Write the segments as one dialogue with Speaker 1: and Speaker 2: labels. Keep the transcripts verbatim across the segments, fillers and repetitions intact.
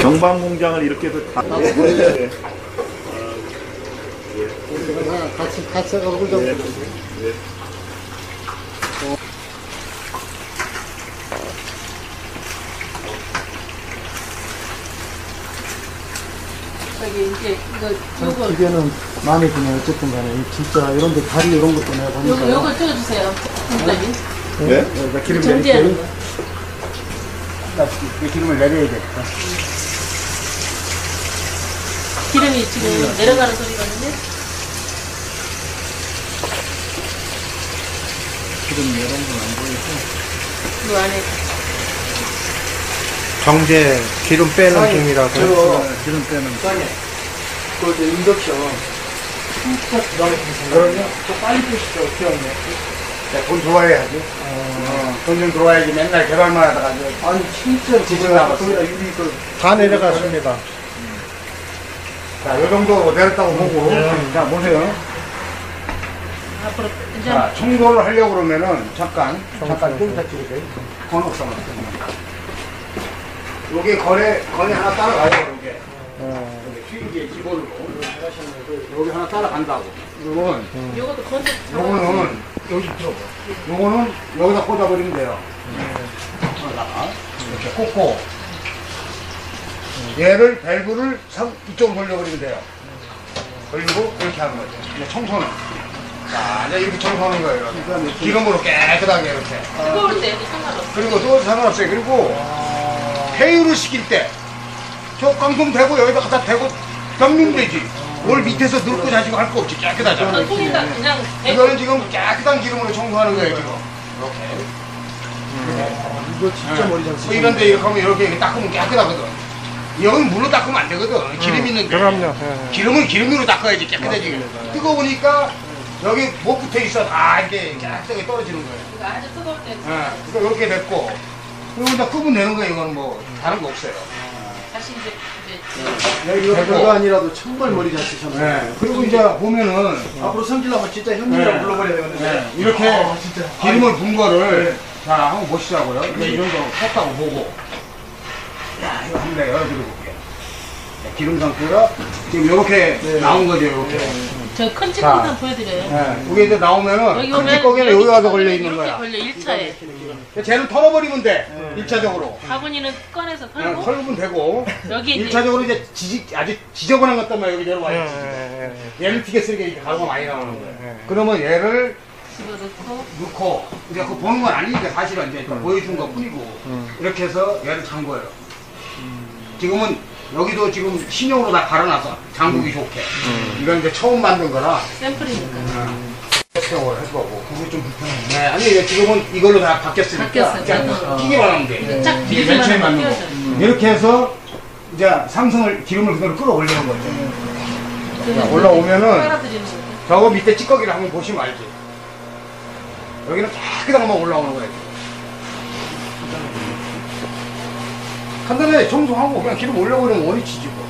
Speaker 1: 정방 공장을 이렇게도 다. 네. 네.
Speaker 2: 같이 같이 얼굴 좀.
Speaker 1: 네. 네.
Speaker 3: 저기 이제 이거 요거
Speaker 2: 기계는 마음에 드네요. 어쨌든 간에 진짜 이런 데 다리 이런 것도 내가 보니까.
Speaker 3: 요거 요거 찍어주세요. 선생님.
Speaker 1: 네?
Speaker 2: 여기다 기름
Speaker 3: 정지하는
Speaker 2: 내릴게요.
Speaker 3: 거.
Speaker 2: 이 기름을 내려야 돼.
Speaker 3: 기름이 지금 내려가는 소리거든요.
Speaker 2: 기름 이런 건 안 보이고.
Speaker 3: 그 안에
Speaker 4: 정제 기름 빼는 중이라서
Speaker 2: 저 기름 빼는. 그 이제 인덕션. 진짜 기가 막힌 그럼요. 저 빨리 푸시죠. 기억네.
Speaker 4: 돈 들어와야지. 어, 돈 좀 들어와야지. 맨날 개발만 하다가 이제
Speaker 2: 아니 진짜
Speaker 4: 지금 남았어요.
Speaker 2: 거기다 유리 그
Speaker 4: 다 내려갔습니다. 자, 요 정도 내렸다고 보고. 자, 보세요.
Speaker 3: 앞으로 이제
Speaker 4: 자, 청소를 하려고 그러면은 잠깐, 잠깐 좀 이따 찍으세요. 건옥상을. 요게 거래, 거래 하나 따라가요, 요게. 어. 튀기의 기본으로. 여기 하나 따라간다고. 요건,
Speaker 3: 요것도 건조.
Speaker 4: 요거는, 여기 들어봐. 요거는 여기다 꽂아버리면 돼요. 여기다가. 이렇게 꽂고. 얘를, 밸브를 상, 이쪽으로 돌려버리면 돼요. 그리고 이렇게 하는 거죠. 이제 청소는. 자, 이제 이렇게 청소하는 거예요. 이렇게. 기름으로 깨끗하게 이렇게.
Speaker 3: 뜨거울 때 상관없어.
Speaker 4: 그리고 또 상관없어요. 그리고 회유를 시킬 때, 저 깡통 대고 여기다 갖다 대고 덮는 되지. 뭘 밑에서 늙고 자시고 할 거 없지. 깨끗하잖아.
Speaker 3: 전 통에다 그냥
Speaker 4: 이거는 지금 깨끗한 기름으로 청소하는 거예요, 지금. 이렇게.
Speaker 2: 이거 진짜 머리 잘
Speaker 4: 뭐
Speaker 2: 쓰시네.
Speaker 4: 이런데 이렇게 하면 이렇게 닦으면 깨끗하거든. 여기는 물로 닦으면 안 되거든. 기름 있는데.
Speaker 2: 그럼요.
Speaker 4: 기름은 기름으로 닦아야지 깨끗해지. 뜨거우니까 여기 못 붙어 있어. 다 이렇게 깨끗하게 떨어지는 거예요.
Speaker 3: 이거 아주 뜨거울 때
Speaker 4: 예, 그러니까 이렇게 됐고. 그리고 이제 끄면 되는 거예요. 이거는 뭐 다른 거 없어요.
Speaker 3: 다시 이제 이제
Speaker 2: 야, 이거 별거 아니라도 정말 머리 잘 쓰셨네.
Speaker 4: 네. 그리고 이제 보면은
Speaker 2: 앞으로 성질나면 진짜 형님이라고
Speaker 4: 네.
Speaker 2: 불러버려야 되는데.
Speaker 4: 네. 이렇게
Speaker 2: 아, 진짜.
Speaker 4: 기름을 분 거를 자 한번 보시자고요. 이제 이 정도 컸다고 보고. 야 이거 한번 내가 열어드려볼게요. 기름 상태가 지금 이렇게
Speaker 2: 네.
Speaker 4: 나온 거죠. 이렇게.
Speaker 3: 저 큰
Speaker 4: 자.
Speaker 3: 찌꺼기만 보여드려요.
Speaker 4: 네. 이게 이제 나오면은
Speaker 3: 여기
Speaker 4: 큰
Speaker 3: 오면
Speaker 4: 찌꺼기는 여기 와서 걸려 있는
Speaker 3: 이렇게
Speaker 4: 거야.
Speaker 3: 걸려 일 차에.
Speaker 4: 쟤는 털어버리면 돼. 일 차적으로.
Speaker 3: 바구니는 꺼내서
Speaker 4: 그냥
Speaker 3: 털고
Speaker 4: 털면 되고.
Speaker 3: 여기
Speaker 4: 일
Speaker 3: 이제
Speaker 4: 차적으로 이제 지지, 아주 지저분한 것들만 여기 내려와요. 얘를 튀겨 쓰게 이렇게 가루가 많이 나오는 거예요. 그러면 얘를
Speaker 3: 집어넣고
Speaker 4: 넣고, 이제 그거 보는 건 아니니까 사실은 이제 보여준 것 뿐이고, 이렇게 해서 얘를 잠궈요. 지금은 여기도 지금 신형으로 다 갈아놨어. 잠그기 좋게. 이건 이제 처음 만든 거라.
Speaker 3: 샘플이니까.
Speaker 4: 세월 해보고, 그게 좀 불편해. 네, 아니, 이제 지금은 이걸로 다 바뀌었으니까.
Speaker 3: 바뀌었어요.
Speaker 4: 그냥 튀기만 하면 돼.
Speaker 3: 이제 쫙
Speaker 4: 이게
Speaker 3: 뒤집어만
Speaker 4: 맨 처음에 만든 거.
Speaker 3: 띄워져요.
Speaker 4: 이렇게 해서 이제 삼성을 기름을 그대로 끌어올리는 거죠.
Speaker 3: 그래서
Speaker 4: 올라오면은
Speaker 3: 빨아들이는 거죠.
Speaker 4: 저거 밑에 찌꺼기를 한번 보시면 알지. 여기는 깨끗한 것만 올라오는 거예요. 간단하게 청소하고 그냥 기름 올려버리면 원위치지 뭐.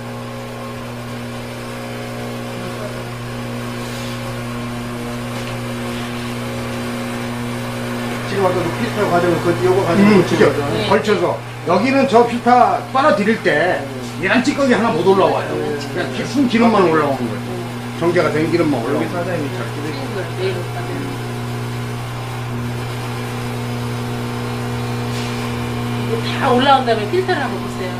Speaker 2: 지금 아까 그 필터 과정을 그 요거 가지고
Speaker 4: 음,
Speaker 2: 고치는
Speaker 4: 그죠.
Speaker 2: 거죠.
Speaker 3: 네.
Speaker 4: 걸쳐서 여기는 저 필터 빨아들일 때 얘랑 찌꺼기 하나 못 올라와요. 그냥 기- 순 기름만 올라오는 거예요. 정제가 된 기름만 올라오는 거예요.
Speaker 2: 사장님이 잘 끼는
Speaker 3: 이걸 내일 가면 이거 다 올라온 다음에 필터를 한번 보세요.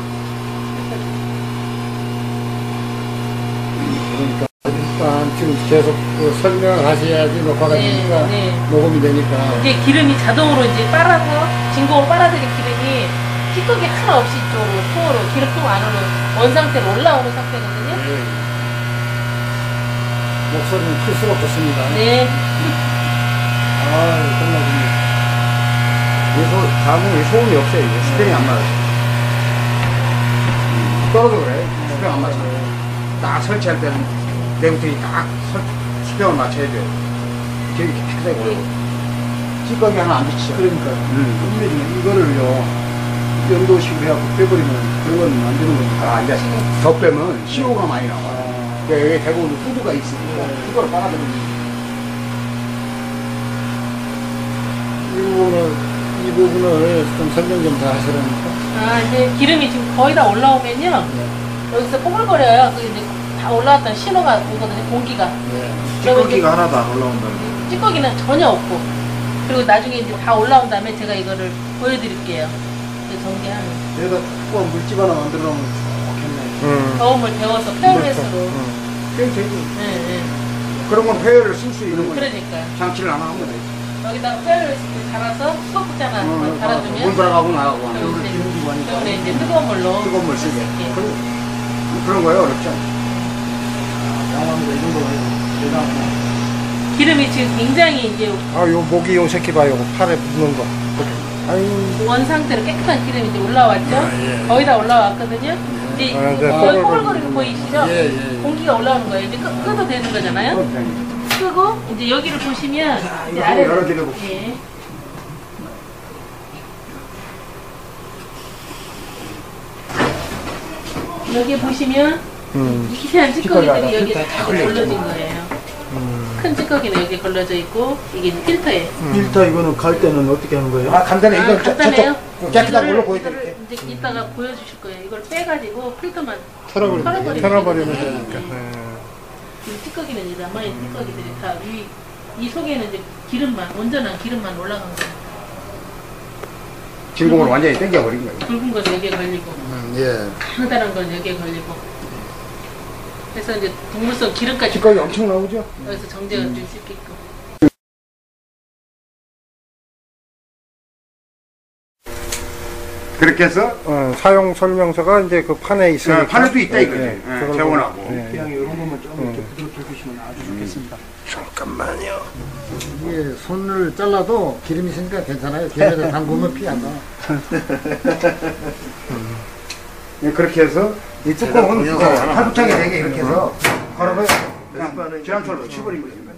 Speaker 2: 그러니까 일단 지금 계속 그 설명을 하셔야지 녹화가
Speaker 3: 네,
Speaker 2: 되니까
Speaker 3: 네.
Speaker 2: 녹음이 되니까.
Speaker 3: 이게 기름이 자동으로 이제 빨아서 진공으로 빨아들인 기름이 찌꺼기 하나 없이 이쪽으로 통으로 기름통 안으로 원 상태로 올라오는 상태거든요.
Speaker 2: 네. 목소리는 클수록 좋습니다.
Speaker 3: 네.
Speaker 2: 아, 정말 좋네.
Speaker 4: 그래서 자궁에 소음이 없어요. 이게 스프링이 안 맞아요. 떨어져 그래. 스프링 안 맞아. 딱 설치할 때는 내부팅이 딱 설, 스프링을 맞춰야 돼요. 되게 깨끗하게 올라오고. 찌꺼기 하나 안 비치죠.
Speaker 2: 그러니까.
Speaker 4: 음.
Speaker 2: 분명히 이거를요, 연도식으로 해갖고 빼버리면 그런 건 안 되는 거니까.
Speaker 4: 아, 이제 더 빼면 씨오가 많이 나와.
Speaker 2: 아,
Speaker 4: 그러니까 여기 대부분 후드가 있으니까 그걸 빨아들이는
Speaker 2: 이 부분은 이 부분을 좀 설명 좀 더 하시라니까.
Speaker 3: 아, 이제 기름이 지금 거의 다 올라오면요.
Speaker 2: 네.
Speaker 3: 여기서 뽀글거려요. 그 이제 다 올라왔던 신호가 오거든요, 공기가.
Speaker 2: 네.
Speaker 3: 그러면 이제
Speaker 1: 찌꺼기가 하나도 안 올라온다는 거.
Speaker 3: 찌꺼기는 전혀 없고. 그리고 나중에 이제 다 올라온 다음에 제가 이거를 보여드릴게요. 이제 전개하는.
Speaker 2: 여기다 조금 물집 하나 만들어 놓으면 좋겠네.
Speaker 5: 음.
Speaker 3: 저음을 데워서 페어웨스로.
Speaker 5: 음.
Speaker 2: 그럼 되지.
Speaker 3: 네, 네.
Speaker 4: 그런 건 회열을 쓸 수 있는 거예요.
Speaker 3: 그러니까요.
Speaker 4: 장치를 안 하면 돼.
Speaker 3: 여기다가 페어웨스 갈아서 수도국자나
Speaker 4: 물
Speaker 3: 갈아주면.
Speaker 4: 들어가고 나가고
Speaker 3: 그럼
Speaker 4: 하는
Speaker 3: 이제
Speaker 2: 기름이 많이
Speaker 3: 겨울에 이제 뜨거운 물로.
Speaker 4: 뜨거운 물 쓰게.
Speaker 3: 예.
Speaker 4: 그런, 그런 거예요, 어렵죠?
Speaker 2: 양호합니다. 이 정도 해요. 대단하네.
Speaker 3: 기름이 지금 굉장히 이제
Speaker 5: 아, 요 모기 요 새끼 봐요. 팔에 붙는 거. 아유,
Speaker 3: 원 상태로 깨끗한 기름이 이제 올라왔죠? 거의 다 올라왔거든요? 이제
Speaker 5: 아, 네,
Speaker 3: 거의
Speaker 5: 뽀글거리는
Speaker 3: 뽀글거리는 거 보이시죠?
Speaker 2: 예, 예, 예.
Speaker 3: 공기가 올라오는 거예요. 이제 끄, 끄도 되는 거잖아요? 끄고, 이제 여기를 보시면, 이제
Speaker 4: 이거
Speaker 3: 아래로.
Speaker 4: 열어드려볼게요.
Speaker 3: 예. 여기 보시면,
Speaker 5: 음.
Speaker 3: 이 기세한 찌꺼기들이
Speaker 5: 찌꺼기가
Speaker 3: 여기
Speaker 5: 필터에
Speaker 3: 다
Speaker 5: 걸려
Speaker 3: 걸러진
Speaker 5: 있구나.
Speaker 3: 거예요.
Speaker 5: 음.
Speaker 3: 큰 찌꺼기는 여기 걸러져 있고, 이게 이제 필터예요.
Speaker 2: 필터 이거는 갈 때는 어떻게 하는 거예요?
Speaker 5: 아, 간단해.
Speaker 3: 아,
Speaker 5: 이거 저,
Speaker 3: 간단해요.
Speaker 5: 저쪽 깨끗한
Speaker 3: 이거를-
Speaker 5: 걸로 보여드릴게.
Speaker 3: 이거를 이제 이따가 보여주실 거예요. 이걸 빼가지고 필터만
Speaker 5: 털어버리면,
Speaker 3: 털어버리면
Speaker 5: 털어버리면
Speaker 3: 되니까.
Speaker 5: 되니까.
Speaker 3: 네.
Speaker 5: 네.
Speaker 3: 이 찌꺼기는 이제 남아있는 찌꺼기들이 다 위, 이 속에는 이제 기름만, 온전한 기름만 올라간 거예요.
Speaker 4: 진공을 완전히 땡겨버린 거예요.
Speaker 3: 굵은 건 여기에 걸리고,
Speaker 2: 음, 예.
Speaker 3: 가느다란 건 여기에 걸리고. 그래서 이제 동물성 기름까지
Speaker 5: 찌꺼기 엄청 나오죠?
Speaker 3: 여기서 정제가 될 수 있게끔.
Speaker 4: 그렇게 해서
Speaker 5: 어, 사용 설명서가 이제 그 판에 있으니까.
Speaker 4: 어, 판에도 있다 이거지.
Speaker 5: 네,
Speaker 4: 예,
Speaker 5: 그걸
Speaker 4: 재원하고.
Speaker 5: 보고, 네.
Speaker 2: 그냥 이런 것만 좀 이렇게 부드럽게 해주시면 아주 좋겠습니다.
Speaker 5: 잠깐만요.
Speaker 2: 이게 손을 잘라도 기름이 있으니까 괜찮아요. 기름에다 담그면 피 안 나.
Speaker 4: 예, 그렇게 해서 이 뚜껑은
Speaker 1: 제가
Speaker 4: 팔부착이 되게 이렇게 해서 걸어서 그냥
Speaker 1: 몇 번은
Speaker 4: 지난철로 치버린 거예요.